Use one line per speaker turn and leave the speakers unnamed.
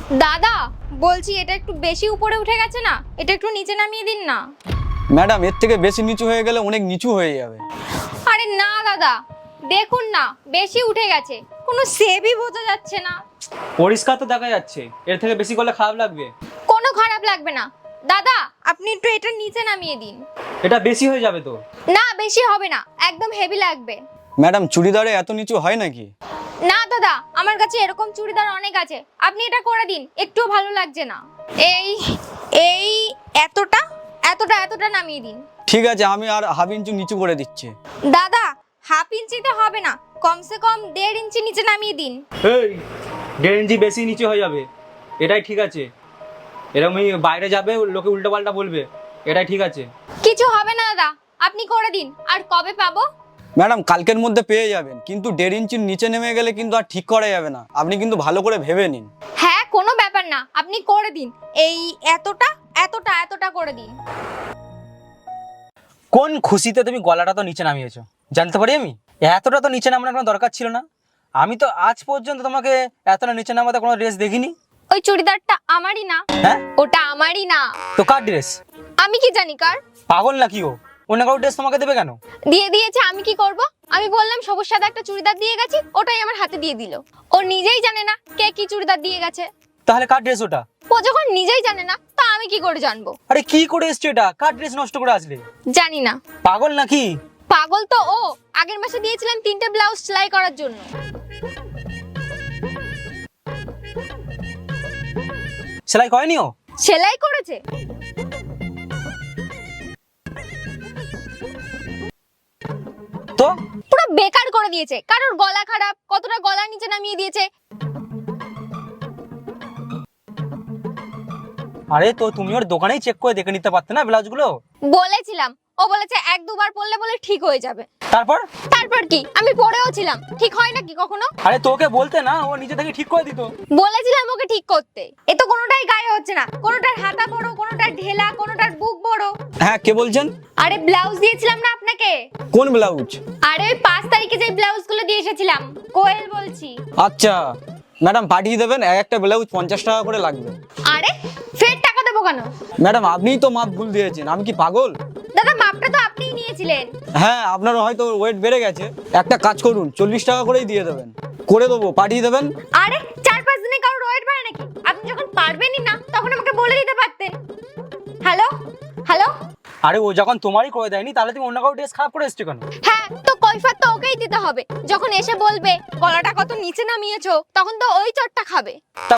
দাদা বলছি এটা একটু বেশি উপরে উঠে গেছে না, এটা একটু নিচে নামিয়ে দিন না।
ম্যাডাম এর থেকে বেশি নিচু হয়ে গেলে অনেক নিচু হয়ে যাবে।
আরে না দাদা, দেখুন না বেশি উঠে গেছে, কোনো শেপই বোঝা যাচ্ছে না।
পরিষ্কার তো দেখা যাচ্ছে, এর থেকে বেশি করলে খারাপ লাগবে।
কোনো খারাপ লাগবে না দাদা, আপনি একটু এটা নিচে নামিয়ে দিন।
এটা বেশি হয়ে যাবে তো।
না বেশি হবে না, একদম হেভি লাগবে।
ম্যাডাম চুড়িদারে এত নিচু হয় নাকি?
না দাদা, আমার কাছে এরকম চুড়িদার অনেক আছে, আপনি এটা করে দিন, একটুও ভালো লাগছে না। এই এই এতটা এতটা এতটা নামিয়ে দিন।
ঠিক আছে, আমি আর হাফ ইঞ্চি নিচু করে দিচ্ছি।
দাদা হাফ ইঞ্চিতে হবে না, কমসে কম 1.5 ইঞ্চি নিচে নামিয়ে দিন।
এই 1.5 ইঞ্চি বেশি নিচে হয়ে যাবে, এটাই ঠিক আছে। এরকমই বাইরে যাবে, লোকে উল্টো পাল্টা বলবে, এটাই ঠিক আছে।
কিছু হবে না দাদা, আপনি করে দিন। আর কবে পাবো?
ম্যাডাম কালকের মধ্যে পেয়ে যাবেন, কিন্তু 1.5 ইঞ্চির নিচে নেমে গেলে কিন্তু আর ঠিক করা যাবে না। আপনি কিন্তু ভালো করে ভেবে নিন।
হ্যাঁ কোনো ব্যাপার না, আপনি করে দিন। এই এতটা এতটা এতটা করে দিন।
কোন খুশিতে তুমি গলাটা তো নিচে নামিয়েছো জানতে পারি আমি? এতটা তো নিচে নামানোর কোনো দরকার ছিল না। আমি তো আজ পর্যন্ত তোমাকে এতটা নিচে নামাতে কোনো ড্রেস দেখিনি।
ওই চুড়িদারটা আমারই না।
হ্যাঁ,
ওটা আমারই না।
তো কার ড্রেস?
আমি কি জানি কার?
পাগল নাকি ও? অন্য কারো ড্রেস তোমাকে দেবে কেন?
দিয়ে দিয়েছে, আমি কি করব? আমি বললাম সবুজ সাদা একটা চুড়িদার দিয়ে গেছি, ওটাই আমার হাতে দিয়ে দিল। ও নিজেই জানে না কে কি চুড়িদার দিয়ে গেছে।
তাহলে কার ড্রেস ওটা?
ও যখন নিজেই জানে না, তা আমি কি করে জানবো?
আরে কি করে এসছো এটা? কার ড্রেস নষ্ট করে আসলে?
জানি না।
পাগল নাকি?
পাগল তো ও। আগের মাসে দিয়েছিলাম 3টে ব্লাউজ সেলাই করার জন্য।
সেলাই করেনি ও?
সেলাই করেছে।
তো
পুরো বেকার করে দিয়েছে। কারোর গলা খারাপ, কতটা গলার নিচে নামিয়ে দিয়েছে।
আরে তো তুমি ওর দোকানেই চেক করে দেখে নিতে পারতে না ব্লাউজগুলো?
বলেছিলাম, ও বলেছে 1-2 বার পরলে বলে ঠিক হয়ে যাবে।
তারপর?
তারপর কি, আমি পরেও ছিলাম, ঠিক হয় নাকি কখনো?
আরে তোকে বলতে না, ও নিজে থেকে ঠিক করে দিত।
বলেছিলাম ওকে ঠিক করতে। এ তো কোনোটাই গায়ে হচ্ছে না, কোনোটার হাতা বড়, কোনোটার ঢেলা, কোনোটার বুক বড়।
হ্যাঁ, কে বলছেন?
আরে ব্লাউজ দিয়েছিলাম না আপনাকে?
কোন ব্লাউজ?
আরে ওই 5 তারিখে যে ব্লাউজগুলো দিয়ে এসেছিলাম। কোয়েল বলছি।
আচ্ছা ম্যাডাম, পাঠিয়ে দেবেন। একটা ব্লাউজ 50 টাকা করে লাগবে।
আরে ফের টাকা দেবো কেন?
ম্যাডাম আপনিই তো মাপ ভুল দিয়েছেন, আমি কি পাগল?
দাদা মাপটা তো আপনিই নিয়েছিলেন।
হ্যাঁ, আপনার হয়তো ওয়েট বেড়ে গেছে। একটা কাজ করুন, 40 টাকা করেই দিয়ে দেবেন। করে দেবো, পাঠিয়ে দেবেন।
আরে 4-5 দিনে কারোর ওয়েট বাড়ে নাকি? আপনি যখন পারবেনই না তখন আমাকে বলে দিতে পারতেন। Hello hello.
আরে ও যখন তোমারই করে দেয়নি, তাহলে তুমি অন্য কারো ড্রেস খারাপ করে এসছো কেন?
হ্যাঁ তো কৈফিয়ত তো ওকেই দিতে হবে। যখন এসে বলবে গলাটা কত নিচে নামিয়েছো, তখন তো ওই চটটা খাবে।